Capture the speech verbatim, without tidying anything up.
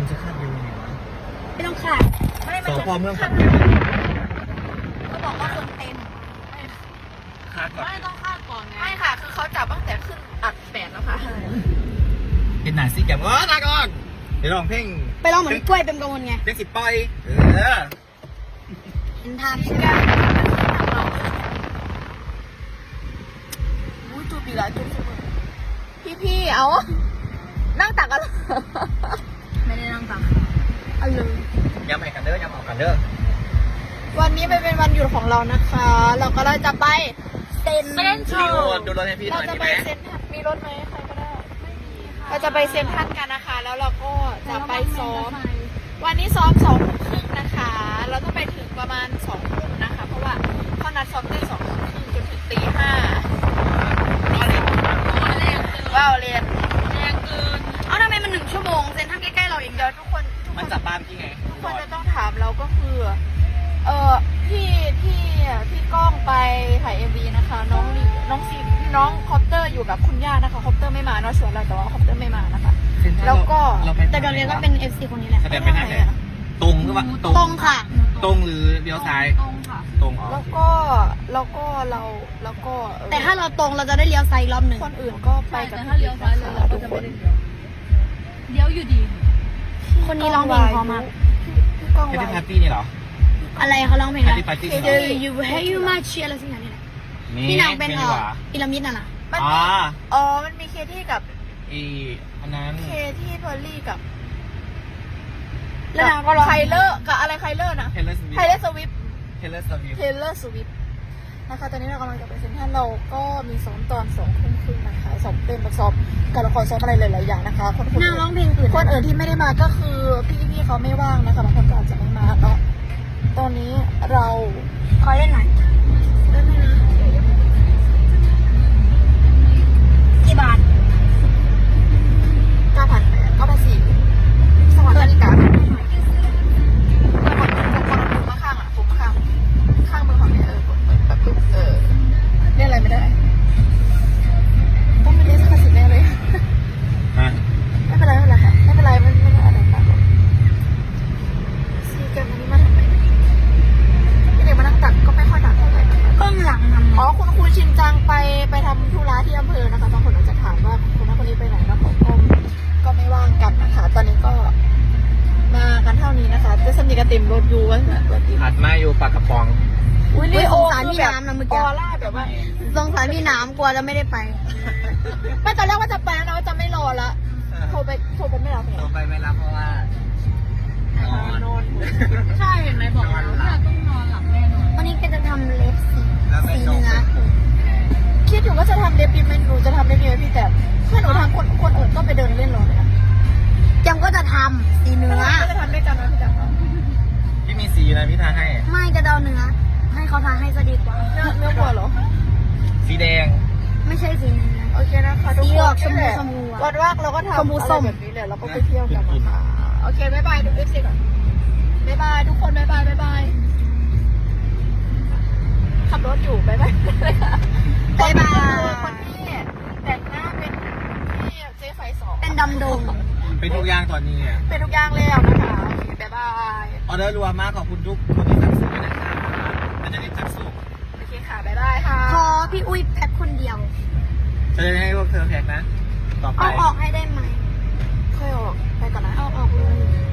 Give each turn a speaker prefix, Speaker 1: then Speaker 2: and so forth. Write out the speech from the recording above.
Speaker 1: มันจะคาดยังไงวะ
Speaker 2: ไม่ต้องขาดไม่มัน
Speaker 1: ส
Speaker 2: จะ
Speaker 1: พเมืองขอน
Speaker 2: ขา
Speaker 1: แก่น
Speaker 2: เขาบอกว่าคนเต็ม
Speaker 1: คาดก่อน
Speaker 3: ไม่ต้องคาดก่อนไง
Speaker 2: ไม่ค่ะ คือเขาจับตั้งแต่ขึ้นอัดแปดแล้วค่ะ
Speaker 1: เป็นหนาซิแกมเออลาก่อนเดี๋ยวลองเพลง
Speaker 2: ไปลองเหมือนกล้วยเป็นกระมวลไง
Speaker 1: เพลงสิบปอยเออ
Speaker 2: เห็นทางใช่ไหมอุ้ยจูบอีกแล้วจูบพี่พี่ๆเอานั่งตักกันไม่ได้นั่งตักเอาเลย
Speaker 1: ย้ำให้กันเด้อย้ำเอากันเด้อ
Speaker 2: วันนี้ไปเป็นวันหยุดของเรานะคะ เราก็เลยจะไปเซ็น
Speaker 1: พี่โอนดูรถให้พี่หน่
Speaker 2: เรา
Speaker 1: อย
Speaker 2: จะ
Speaker 1: ดี
Speaker 2: ไป
Speaker 1: ไหม
Speaker 2: เซ็นทรัลมีรถไหมใครก็ได้เราจะไปเซ็นทรัลกันนะคะ แล้วเราก็จะไปซ้อม วันนี้ซ้อมสองทุ่มครึ่งนะคะ เราต้องไปถึงประมาณสองทุ่มนะคะ เพราะว่าเขานัดซ้อมได้สองทุ่มครึ่งจนถึงตีห้าว้าวเรียน
Speaker 3: แรงเกิน
Speaker 2: เอาทำไมมันหนึ่งชั่วโมงเซ็นทรัลใกล้ๆเราเองเดียวทุกคนทุกค
Speaker 1: มัน
Speaker 2: น
Speaker 1: จับบ้านพี่ไง
Speaker 2: ทุกคนจะต้องถามเราก็คือ เออพี่พี่พี่ก้องไปถ่ายเอ็มวีนะคะ น้องลีน้องซีน้องคอปเตอร์อยู่กับคุณย่านะคะคอปเตอร์ไม่มาเนาะชวนเราแต่ว่าคอปเตอร์ไม่มานะคะ แล้วก็
Speaker 3: แต่เดี๋ยวเรียนก็เป็น เอฟ ซี คนนี้แหละ
Speaker 1: แสดงเป็นทางไหนตรงก็ว่าตรง
Speaker 2: ตรงค่ะ
Speaker 1: ตรงหรือเลี้ยวซ้าย
Speaker 3: ตรงค่ะ
Speaker 1: ตรงอ๋อ
Speaker 2: แล้วก็แล้วก็เราแล้วก็เออ
Speaker 4: แต่ถ้าเราตรงเราจะได้เลี้ยวซ้ายอีกรอบหนึ่ง
Speaker 2: คนอื่นก็ไป
Speaker 3: ใช่
Speaker 2: กับ
Speaker 3: แต่ถ้าเลี้ยวซ้ายเลยเราก็จะไม่ได้เลี้ยวเลี้ยวอยู่ดี
Speaker 4: คนนี้ร้องเพลงเพราะมาก
Speaker 2: พี่ก้อง
Speaker 1: แค่
Speaker 2: ไว้
Speaker 1: ที่ปาร์ตี้นี่เหรอ
Speaker 4: อะไรเขาร้องเพลง
Speaker 1: แค่
Speaker 4: อะไร
Speaker 1: ที่ปาร์ตี้
Speaker 4: เจอ you hey you my cheer อะไรสักอย่างนี่แหละพี่นางเป็น
Speaker 1: ดี
Speaker 4: เอ่
Speaker 1: ก
Speaker 4: อ
Speaker 1: ว่า
Speaker 4: อิรามิดน่ะนะ
Speaker 2: มัน
Speaker 1: อ๋อ
Speaker 2: มีอ๋อมันมีเคที่กับ
Speaker 1: อีอันนั้น
Speaker 2: เคที่เพอร์ลี่กับ
Speaker 4: แล้วนางก็ร้อง
Speaker 2: ไทเลอร์กับอะไรไทเลอร์นะ
Speaker 1: เทเลอร์สวิฟ
Speaker 2: ไทเลอร์สวิฟ
Speaker 1: เทเลอร์สวิฟ
Speaker 2: เทเลอร์สวิฟนะคะตอนนี้เรากำลังจะไปเซ็นทรัลเราก็มีซ้อมตอนสองทุ่มครึ่งนะคะซ้อมเต้นซ้อมการละครซ้อมอะไรหลายๆอย่างนะคะคนคน
Speaker 4: นางร้องเพลงอื่น
Speaker 2: คนอื่นที่ไม่ได้มาก็คือพี่ๆเขาไม่ว่างนะคะบางคนก็อาจจะไม่มาเนาะตอนนี้เรา
Speaker 4: ขอเล่นหน่อย
Speaker 2: ได้ไหมนะ
Speaker 4: กี่บาท
Speaker 2: เก้าพันแปดเก้าพันสี่สวัสดีครับผมมาข้างอ่ะผมมาข้างข้างมือของเนี่ยเออกดเปิดแบบปุ๊บเออเรียกอะไรไม่ได้ต้องเป็นเรียกสักสิบแน่เลย
Speaker 1: ฮะ
Speaker 2: ไม่เป็นไรไม่เป็นไรค่ะไม่เป็นไรไม่ไม่เป็นอะไรต่างซีเกมอันนี้มาทำไมพี่เด็กมานั่งตักก็ไม่ค่อยตักเท่าไหร่นะคะ
Speaker 4: เบื้องหลังทำ
Speaker 2: อ๋อคุณครูชินจังไปไปทำธุระที่อำเภอนะคะบางคนอาจจะถามว่าคนนั้นคนนี้ไปไหนแล้วเขาก็ก็ไม่ว่างกันนะคะ ตอนนี้ก็มากันเท่านี้นะคะจะสนิทกันเต็มรถอยู่ว่าตัวจริง
Speaker 1: อัดมาอยู่ปากกระป๋อง
Speaker 2: อุ้ย
Speaker 4: อุ๊
Speaker 2: นี่
Speaker 4: ยส
Speaker 2: โอ้
Speaker 4: งสารพี่น้ำนะเมื่อ
Speaker 2: อ
Speaker 4: กี้
Speaker 2: อร่าแบบว่า
Speaker 4: สงสารพี่น้ำกลัวจะไม่ได้ไป
Speaker 2: ไม่ตอนแรกว่าจะไปแล้วนะว่าจะไม่รอละโทรไปโทรไปไม่รับ
Speaker 1: โทรไปไม่รับเพราะว่านอน
Speaker 2: นอน
Speaker 3: ใช่เห็นไหมบอกแล้วว่าต้องนอนหลับแน่นอน
Speaker 4: วันนี้ก็จะทำเล็บสี
Speaker 1: แล้วไม่
Speaker 4: สี
Speaker 1: ชง
Speaker 4: เนื้อ
Speaker 2: คิดอยู่ว่าจะทำเล็บดีไหมหนูจะทำเล็บดีไหมพี่แต่เพื่อนหนูทำคนคนอื่นก็ไปเดินเล่นรถเลยนะ
Speaker 4: จำก็จะทำสีเนื้อ
Speaker 2: ก็จะทำด้วยกันนะพี่แต่
Speaker 1: พี่มีสีนะพี่ทาให้
Speaker 4: ไม่จะเดาเนื้อ ให้เขาทาให้จะดีกว่า
Speaker 2: เนื้อเนื้อวัวเหรอ
Speaker 1: สีแดง
Speaker 4: ไม่ใช่สีเนื้อ
Speaker 2: โอเคนะคะทุก
Speaker 4: สี
Speaker 2: ค
Speaker 4: ออน กชมพู
Speaker 2: นี่แหละ
Speaker 4: ชมพูอะ
Speaker 2: วันว่างเราก็ทำ
Speaker 4: ชมพูส้ม
Speaker 2: อะไรแบบนี้แหละเราก็ไปเที่ยวกันนะคะโอเคบ๊ายบายดูเอฟซีก่อนบ๊ายบายทุกคนบ๊ายบายบ๊ายบายขับรถอยู่บ๊ายบายเลยค่ะ
Speaker 4: บ๊ายบาย
Speaker 2: คนที่แต่งหน้าเป็นที่เจ๊ไฟสอง
Speaker 4: เป็นดำดง
Speaker 1: เป็นทุกอย่างตอนนี้เนี่ย
Speaker 2: เป็นทุกอย่างแล้วนะคะโอเคบ๊ายบาย
Speaker 1: ออเดอร์รัวมากขอบคุณทุกคนที่สั่งซื้อนะครับมันจะได้จัดส่ง
Speaker 2: โอเคค่ะบ๊ายบายค่ะ
Speaker 4: พอพี่อุ้ยแพ็คคนเดียว
Speaker 1: จะได้ให้พวกเธอแพ็กนะ ต่อไป
Speaker 4: เอาออกให้ได้ไหม
Speaker 2: ค่อยออกไปก่อนนะ
Speaker 4: เอาออกเลย